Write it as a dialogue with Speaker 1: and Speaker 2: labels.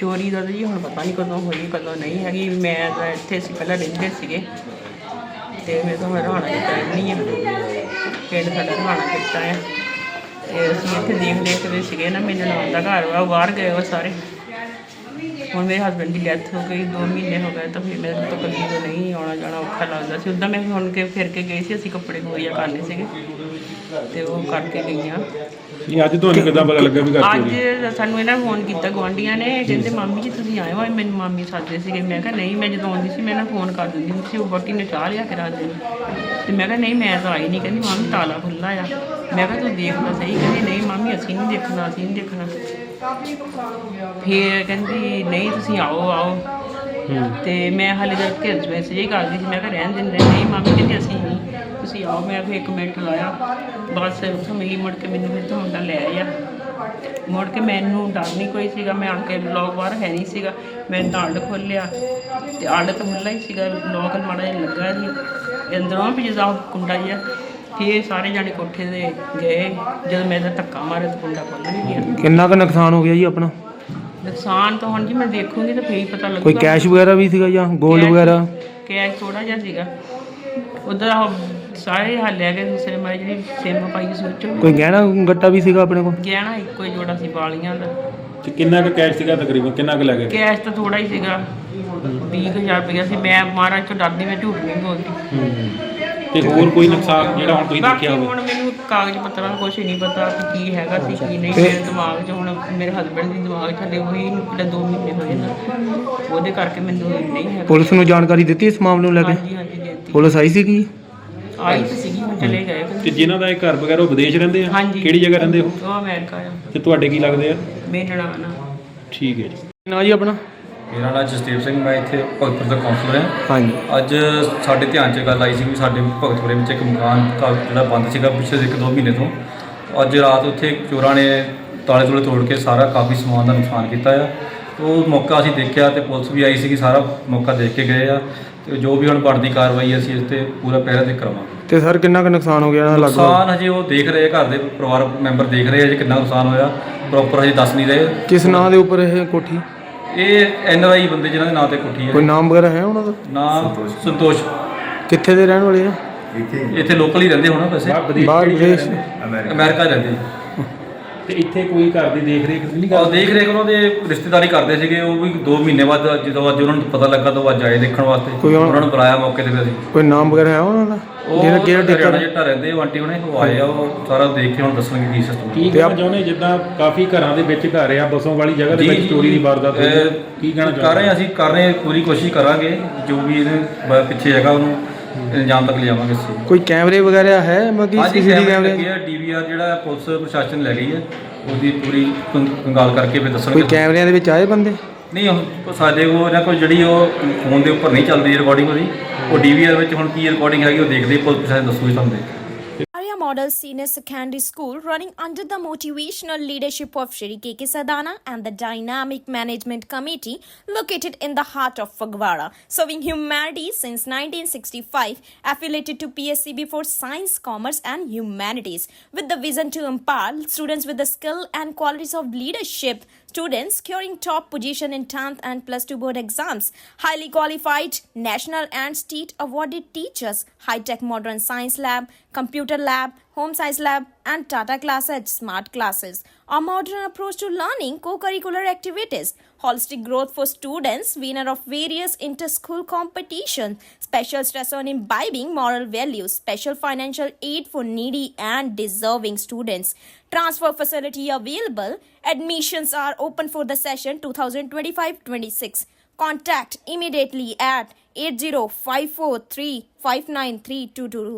Speaker 1: ਚੋਰੀ ਦਾ ਤਾਂ ਜੀ ਹੁਣ ਪਤਾ ਨਹੀਂ ਕਦੋਂ ਹੋਈ ਕਦੋਂ ਨਹੀਂ ਹੈਗੀ। ਮੈਂ ਤਾਂ ਇੱਥੇ ਅਸੀਂ ਪਹਿਲਾਂ ਰਹਿੰਦੇ ਸੀਗੇ ਅਤੇ ਮੇਰੇ ਤੋਂ ਹਰਿਆਣਾ ਕੀਤਾ ਨਹੀਂ ਹੈ, ਪਿੰਡ ਸਾਡਾ ਹਰਿਆਣਾ ਕੀਤਾ ਹੈ ਅਤੇ ਅਸੀਂ ਇੱਥੇ ਦੇਖਦੇ ਸੀਗੇ ਨਾ। ਮੇਰੇ ਨਾਲ ਦਾ ਘਰ ਵਾ, ਉਹ ਬਾਹਰ ਗਏ ਵਾ ਸਾਰੇ। ਹੁਣ ਮੇਰੇ ਹਸਬੈਂਡ ਦੀ ਡੈਥ ਹੋ ਗਈ, 2 ਮਹੀਨੇ ਹੋ ਗਏ, ਤਾਂ ਫਿਰ ਮੇਰੇ ਤੋਂ ਇਕੱਲੀ ਤੋਂ ਨਹੀਂ ਆਉਣਾ ਜਾਣਾ ਔਖਾ ਲੱਗਦਾ ਸੀ। ਉੱਦਾਂ ਮੈਂ ਹੁਣ ਕੇ ਫਿਰ ਕੇ ਗਈ ਸੀ, ਅਸੀਂ ਕੱਪੜੇ ਬੋਰੀਆ ਕਰਨੇ ਸੀਗੇ ਅਤੇ ਉਹ ਕਰਕੇ ਗਈਆਂ।
Speaker 2: ਅੱਜ ਤੁਹਾਨੂੰ ਕਿੱਦਾਂ ਪਤਾ ਲੱਗਾ ਵੀ
Speaker 1: ਅੱਜ ਸਾਨੂੰ ਇਹਨਾਂ ਨੇ ਫੋਨ ਕੀਤਾ ਗੁਆਂਢੀਆਂ ਨੇ, ਕਹਿੰਦੇ ਮਾਮੀ ਜੀ ਤੁਸੀਂ ਆਏ ਹੋ। ਮੈਨੂੰ ਮਾਮੀ ਸੱਦਦੇ ਸੀਗੇ। ਮੈਂ ਕਿਹਾ ਨਹੀਂ, ਮੈਂ ਜਦੋਂ ਆਉਂਦੀ ਸੀ ਮੈਂ ਇਹਨਾਂ ਨੂੰ ਫੋਨ ਕਰ ਦਿੰਦੀ ਹੁੰਦੀ ਸੀ, ਉਹ ਵਹੁਟੀ ਨੇ ਚਾਹ ਲਿਆ ਕੇ ਰੱਖ ਦਿੰਦੀ ਅਤੇ ਮੈਂ ਕਿਹਾ ਨਹੀਂ ਮੈਂ ਤਾਂ ਆਈ ਨਹੀਂ। ਕਹਿੰਦੀ ਮਾਮੀ ਤਾਲਾ ਖੁੱਲ੍ਹਾ ਆ। ਮੈਂ ਕਿਹਾ ਤੂੰ ਦੇਖ ਲਾ ਸਹੀ। ਕਹਿੰਦੀ ਨਹੀਂ ਮਾਮੀ ਅਸੀਂ ਨਹੀਂ ਦੇਖਣਾ, ਅਸੀਂ ਨਹੀਂ ਦੇਖਣਾ। ਫਿਰ ਕਹਿੰਦੀ ਨਹੀਂ ਤੁਸੀਂ ਆਓ ਅਤੇ ਮੈਂ ਹਾਲੇ ਤੱਕ ਘਰ 'ਚ ਮੈਸੇਜ ਹੀ ਕਰਦੀ ਸੀ। ਮੈਂ ਕਿਹਾ ਰਹਿਣ ਦਿੰਦੇ। ਨਹੀਂ ਮਾਮੀ ਕਹਿੰਦੀ ਅਸੀਂ ਨਹੀਂ, ਤੁਸੀਂ ਆਓ। ਮੈਂ ਫਿਰ 1 ਮਿੰਟ ਲਾਇਆ, ਬਸ ਉੱਥੋਂ ਮਿਲੀ। ਮੁੜ ਕੇ ਮੈਨੂੰ ਫਿਰ ਮੁੰਡਾ ਲੈ ਆਇਆ। ਮੁੜ ਕੇ ਮੈਨੂੰ ਡਰ ਨਹੀਂ ਕੋਈ ਸੀਗਾ। ਮੈਂ ਆਣ ਕੇ ਲੋਕ ਬਾਹਰ ਹੈ ਨਹੀਂ ਸੀਗਾ। ਮੈਂ ਤਾਂ ਅੱਡ ਖੋਲ੍ਹਿਆ ਅਤੇ ਅੱਡ ਤਾਂ ਖੁੱਲ੍ਹਾ ਹੀ ਸੀਗਾ, ਲੋਕ ਮਾੜਾ ਜਿਹਾ ਲੱਗਾ ਸੀ ਅੰਦਰੋਂ ਵੀ ਜਿੱਦਾਂ ਕੁੰਡਾ ਜਿਹਾ। ਫਿਰ ਸਾਰੇ ਜਾਣੇ ਕੋਠੇ 'ਤੇ ਗਏ। ਜਦੋਂ ਮੈਂ ਤਾਂ ਧੱਕਾ ਮਾਰਿਆ ਤਾਂ ਕੁੰਡਾ ਖੁੱਲ੍ਹ ਵੀ ਗਿਆ।
Speaker 3: ਕਿੰਨਾ ਕੁ ਨੁਕਸਾਨ ਹੋ ਗਿਆ ਜੀ ਆਪਣਾ?
Speaker 1: ਨੁਕਸਾਨ ਤਾਂ ਹੁਣ ਜੀ ਮੈਂ ਦੇਖੂੰਗੀ ਤਾਂ ਫਿਰ ਹੀ ਪਤਾ ਲੱਗੂਗਾ।
Speaker 3: ਕੋਈ ਕੈਸ਼ ਵਗੈਰਾ ਵੀ ਸੀਗਾ ਜਾਂ ਗੋਲਡ ਵਗੈਰਾ?
Speaker 1: ਕੈਸ਼ ਥੋੜ੍ਹਾ ਜਿਹਾ ਸੀਗਾ। ਉੱਧਰ ਸਾਰੇ ਹਾਲਿਆ ਗਏ ਦੂਸਰੇ ਮਾਰੇ ਜਿਹੜੀ ਸਿਮ ਪਾਈ ਸੀ ਵਿੱਚੋਂ।
Speaker 3: ਕੋਈ ਗਹਿਣਾ ਗੱਟਾ ਵੀ ਸੀਗਾ ਆਪਣੇ ਕੋਲ?
Speaker 1: ਗਹਿਣਾ ਇੱਕੋ ਹੀ ਜੋੜਾ ਸੀ ਵਾਲੀਆਂ ਦਾ।
Speaker 2: ਤੇ ਕਿੰਨਾ ਕੁ ਕੈਸ਼ ਸੀਗਾ ਤਕਰੀਬਨ, ਕਿੰਨਾ ਕੁ ਲੱਗੇ?
Speaker 1: ਕੈਸ਼ ਤਾਂ ਥੋੜਾ ਹੀ ਸੀਗਾ, 20,000 ਰੁਪਇਆ ਸੀ। ਮੈਂ ਮਹਾਰਾਜ ਤੋਂ ਡਰਦੀ, ਮੈਂ ਝੂਠ ਨਹੀਂ ਬੋਲਦੀ।
Speaker 2: ਤੇ ਹੋਰ ਕੋਈ ਨੁਕਸਾਨ ਜਿਹੜਾ ਹੁਣ ਤੁਸੀਂ
Speaker 1: ਬਾਕੀ
Speaker 2: ਦੇਖਿਆ ਹੋਵੇ?
Speaker 1: ਹੁਣ ਮੈਨੂੰ ਕਾਗਜ਼ ਪੱਤਰਾਂ ਦਾ ਕੁਛ ਨਹੀਂ ਪਤਾ ਕਿ ਕੀ ਹੈਗਾ ਸੀ ਕੀ ਨਹੀਂ। ਮੇਰੇ ਦਿਮਾਗ 'ਚ ਹੁਣ ਮੇਰੇ ਹਸਬੈਂਡ ਦੇ ਦਿਮਾਗ 'ਚ ਹਲੇ ਉਹੀ ਪਿਛਲੇ 2 ਮਹੀਨੇ ਹੋਏ ਨਾ, ਉਹਦੇ ਕਰਕੇ ਮੈਨੂੰ ਨਹੀਂ ਹੈਗਾ।
Speaker 3: ਪੁਲਿਸ ਨੂੰ ਜਾਣਕਾਰੀ ਦਿੱਤੀ ਇਸ ਮਾਮਲੇ ਨੂੰ ਲੈ ਕੇ?
Speaker 1: ਹਾਂਜੀ ਹਾਂਜੀ ਦਿੱਤੀ।
Speaker 3: ਪੁਲਿਸ ਆਈ ਸੀਗੀ?
Speaker 1: ਆਈ ਤਾਂ ਸੀਗੀ, ਹੁਣ ਚਲੇ ਗਏ।
Speaker 2: ਤੇ ਜਿਨ੍ਹਾਂ ਦਾ ਇਹ ਘਰ ਵਗੈਰਾ ਉਹ ਵਿਦੇਸ਼ ਰਹਿੰਦੇ ਆ?
Speaker 1: ਹਾਂਜੀ।
Speaker 2: ਕਿਹੜੀ ਜਗ੍ਹਾ ਰਹਿੰਦੇ ਉਹ?
Speaker 1: ਉਹ ਅਮਰੀਕਾ ਆ।
Speaker 2: ਤੇ ਤੁਹਾਡੇ ਕੀ ਲੱਗਦੇ ਆ?
Speaker 1: ਮੇਰੇ ਨਨਾਣ ਆ।
Speaker 2: ਠੀਕ ਹੈ ਜੀ।
Speaker 3: ਨਾ ਜੀ ਆਪਣਾ?
Speaker 4: ਮੇਰਾ ਨਾਮ ਜਸਦੇਵ ਸਿੰਘ, ਮੈਂ ਇੱਥੇ ਭਗਤਪੁਰ ਦਾ ਕਾਉਂਸਲਰ ਹਾਂ।
Speaker 3: ਹਾਂਜੀ।
Speaker 4: ਅੱਜ ਸਾਡੇ ਧਿਆਨ 'ਚ ਗੱਲ ਆਈ ਸੀ ਵੀ ਸਾਡੇ ਭਗਤਪੁਰੇ ਵਿੱਚ ਇੱਕ ਮਕਾਨ ਜਿਹੜਾ ਬੰਦ ਸੀਗਾ ਪਿਛਲੇ 1-2 ਮਹੀਨੇ ਤੋਂ। ਅੱਜ ਰਾਤ ਉੱਥੇ ਚੋਰਾਂ ਨੇ ਤਾਲੇ ਤੂਲੇ ਤੋੜ ਕੇ ਸਾਰਾ ਕਾਫੀ ਸਮਾਨ ਦਾ ਨੁਕਸਾਨ ਕੀਤਾ ਆ। ਉਹ ਮੌਕਾ ਅਸੀਂ ਦੇਖਿਆ ਅਤੇ ਪੁਲਿਸ ਵੀ ਆਈ ਸੀਗੀ, ਸਾਰਾ ਮੌਕਾ ਦੇਖ ਕੇ ਗਏ ਆ। ਅਤੇ ਜੋ ਵੀ ਹੁਣ ਬਣਦੀ ਕਾਰਵਾਈ ਅਸੀਂ ਇਸ 'ਤੇ ਪੂਰਾ ਪਹਿਰਾ ਦੇ ਕਰਾਵਾਂਗੇ।
Speaker 3: ਤੇ ਸਰ ਕਿੰਨਾ ਕੁ ਨੁਕਸਾਨ ਹੋ ਗਿਆ ਇਹਨਾਂ ਦਾ?
Speaker 4: ਨੁਕਸਾਨ ਹਜੇ ਉਹ ਦੇਖ ਰਹੇ ਆ, ਘਰ ਦੇ ਪਰਿਵਾਰ ਮੈਂਬਰ ਦੇਖ ਰਹੇ ਆ ਜੀ ਕਿੰਨਾ ਨੁਕਸਾਨ ਹੋਇਆ, ਪ੍ਰੋਪਰ ਹਜੇ ਦੱਸ ਨਹੀਂ ਰਹੇ।
Speaker 3: ਕਿਸ ਨਾਂ ਦੇ ਉੱਪਰ ਇਹ ਕੋਠੀ?
Speaker 4: ਇਹ NRI ਬੰਦੇ ਜਿਨ੍ਹਾਂ ਦੇ ਨਾਂ 'ਤੇ ਕੋਠੀ ਹੈ।
Speaker 3: ਕੋਈ ਨਾਮ ਵਗੈਰਾ ਹੈ ਉਹਨਾਂ ਦਾ?
Speaker 4: ਨਾਮ ਸੰਤੋਸ਼।
Speaker 3: ਕਿੱਥੇ ਦੇ ਰਹਿਣ ਵਾਲੇ ਆ?
Speaker 4: ਇੱਥੇ ਲੋਕਲ ਹੀ ਰਹਿੰਦੇ ਹੋਣਾ ਵੈਸੇ,
Speaker 3: ਬਾਹਰ ਵਿਦੇਸ਼?
Speaker 4: ਅਮਰੀਕਾ ਰਹਿੰਦੇ।
Speaker 2: ਤੇ ਇੱਥੇ ਕੋਈ ਘਰ ਦੀ ਦੇਖ ਰੇਖ ਨਹੀਂ
Speaker 4: ਉਹ ਦੇਖ ਰੇਖ ਉਹਨਾਂ ਦੇ ਰਿਸ਼ਤੇਦਾਰੀ ਕਰਦੇ ਸੀਗੇ। ਉਹ ਵੀ 2 ਮਹੀਨੇ ਬਾਅਦ ਜਦੋਂ ਅੱਜ ਉਹਨਾਂ ਨੂੰ ਪਤਾ ਲੱਗਾ ਤਾਂ ਉਹ ਅੱਜ ਆਏ ਦੇਖਣ ਵਾਸਤੇ। ਉਹਨਾਂ ਨੂੰ ਬੁਲਾਇਆ ਮੌਕੇ 'ਤੇ ਫਿਰ ਅਸੀਂ।
Speaker 3: ਕੋਈ ਨਾਮ ਵਗੈਰਾ ਹੈ ਉਹਨਾਂ ਦਾ?
Speaker 4: ਉਹ ਹਰਿਆਣਾ ਜੱਟਾ ਰਹਿੰਦੇ, ਉਹ ਆਂਟੀ ਹੁਣੇ ਉਹ ਆਏ ਆ, ਉਹ ਸਾਰਾ ਦੇਖ ਕੇ ਹੁਣ ਦੱਸਣਗੇ ਕੀ ਸਿਸਟਮ।
Speaker 2: ਕੀ ਕਹਿਣਾ ਚਾਹੁੰਦੇ ਜਿੱਦਾਂ ਕਾਫੀ ਘਰਾਂ ਦੇ ਵਿੱਚ ਘਰ ਆ ਬਸੋਂ ਵਾਲੀ ਜਗ੍ਹਾ ਦੇ ਵਿੱਚ ਚੋਰੀ ਦੀ ਵਾਰਦਾਤ ਹੋਈ, ਕੀ ਕਹਿਣਾ ਚਾਹੁੰਦੇ?
Speaker 4: ਕਰ ਰਹੇ ਅਸੀਂ ਕਰ ਰਹੇ ਪੂਰੀ ਕੋਸ਼ਿਸ਼ ਕਰਾਂਗੇ, ਜੋ ਵੀ ਇਹਦੇ ਪਿੱਛੇ ਹੈਗਾ ਉਹਨੂੰ ਇਲਜ਼ਾਮ ਤੱਕ ਲਿਆਵਾਂਗੇ ਅਸੀਂ।
Speaker 3: ਕੋਈ ਕੈਮਰੇ ਵਗੈਰਾ ਹੈ? ਮਤਲਬ
Speaker 4: CCTV ਕੈਮਰੇ DVR ਜਿਹੜਾ ਪੁਲਿਸ ਪ੍ਰਸ਼ਾਸਨ ਲੈ ਗਈ ਹੈ, ਉਹਦੀ ਪੂਰੀ ਕੰਗਾਲ ਕਰਕੇ ਫਿਰ ਦੱਸਣਗੇ।
Speaker 3: ਕੋਈ ਕੈਮਰਿਆਂ ਦੇ ਵਿੱਚ ਆਏ ਬੰਦੇ?
Speaker 4: ਨਹੀਂ, ਸਾਡੇ ਕੋਲ ਇਹਨਾਂ ਕੋਲ ਜਿਹੜੀ ਉਹ ਫੋਨ ਦੇ ਉੱਪਰ ਨਹੀਂ ਚੱਲਦੀ ਰਿਕਾਰਡਿੰਗ ਉਹਦੀ, ਉਹ DVR ਵਿੱਚ ਹੁਣ ਕੀ ਰਿਕਾਰਡਿੰਗ ਹੈਗੀ ਉਹ ਦੇਖਦੇ ਪੁਲਿਸ ਪ੍ਰਸ਼ਾਸਨ ਦੱਸੂਗੀ ਤੁਹਾਨੂੰ ਦੇਖ ਕੇ।
Speaker 5: Arya Model Senior Secondary School, running under the motivational leadership of Shri K.K. Sadana and the Dynamic Management Committee, located in the heart of Fagwara, serving humanity since 1965, affiliated to PSCB for Science, Commerce and Humanities, with the vision to empower students with the skill and qualities of leadership. Students securing top position in 10th and plus 2 board exams, highly qualified national and state awarded teachers, high-tech modern science lab, computer lab, home science lab and Tata Classes smart classes. A modern approach to learning, co-curricular activities, holistic growth for students, winner of various inter-school competitions, special stress on imbibing moral values, special financial aid for needy and deserving students. Transfer facility available. Admissions are open for the session 2025-26. Contact immediately at 8054359322.